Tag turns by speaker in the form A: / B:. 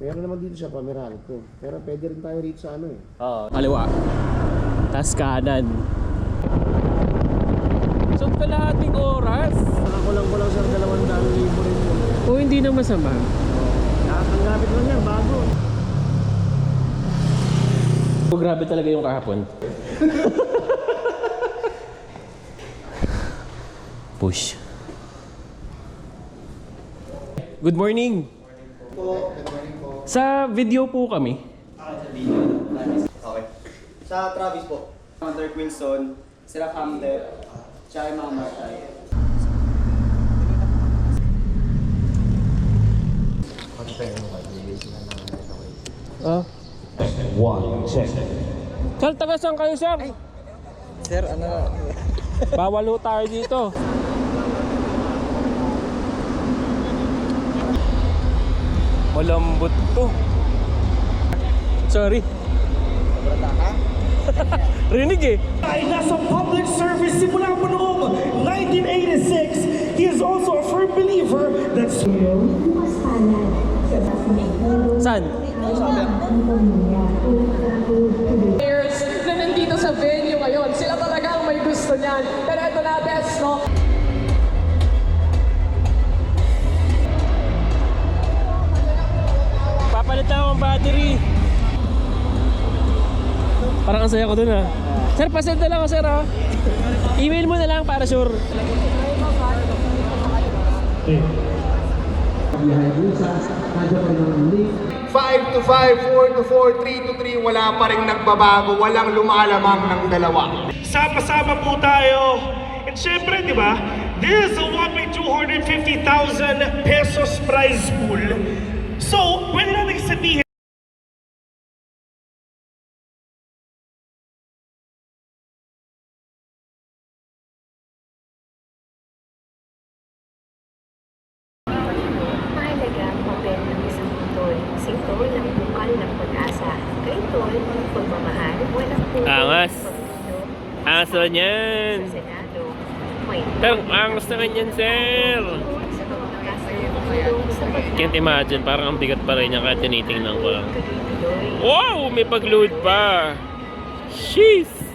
A: Meron naman dito sa Pameralco. Pero pwede rin tayo rito sa ano eh.
B: Oo. Kaliwa. Tas kanan. So kalahating oras.
A: Nakakulang ko lang sir 200,000 rin yun.
B: O hindi na masama.
A: Ang lapit lang yan, bago.
B: Oh, grabe talaga yung kahapon. Push. Good morning.
C: Good morning po.
B: Sa video po kami.
C: Sa video. Okay. Sa Travis po. Hunter Quinson, sila Camden, tsaka yung mga Marshall.
B: Ah. Sir, taga saan kayo, sir?
C: Sir, ano?
B: Bawal ho tayo dito. Malambot to. Sorry. Rinig eh.
D: Ay nasa public service simula po noong 1986. He is also a firm believer that
B: Saan?
E: Players na nandito sa venue ngayon, sila talaga ang may gusto niyan. Pero ito na, best, no?
B: Papalit lang akong battery. Parang ang saya ko dun ah. Sir, pasend na lang ako sir ah. Email mo na lang para sure.
F: 5 to 5, 4 to 4, 3 to 3, wala pa rin nagbabago, walang lumalamang ng dalawa.
D: sama-sama po tayo. And syempre, di ba, this is a whopping 250,000 pesos prize pool. So, pwede natin sabihin,
G: Mahalaga ang papel ng isang tol. Sintol ang bukal ng pag-asa. Kay tol, pagmamahal, walang puso.
B: Angas.
G: Pagpuno,
B: Angas naman yan.
G: Sa Senado, may
B: Pero angas naman yan sir.
G: sa mga kasalubong sa
B: Can't imagine, parang ang bigat pa rin niya kahit tinitingnan ko lang.
G: pagkakatuloy.
B: Wow! May pag-load pa! Sheesh!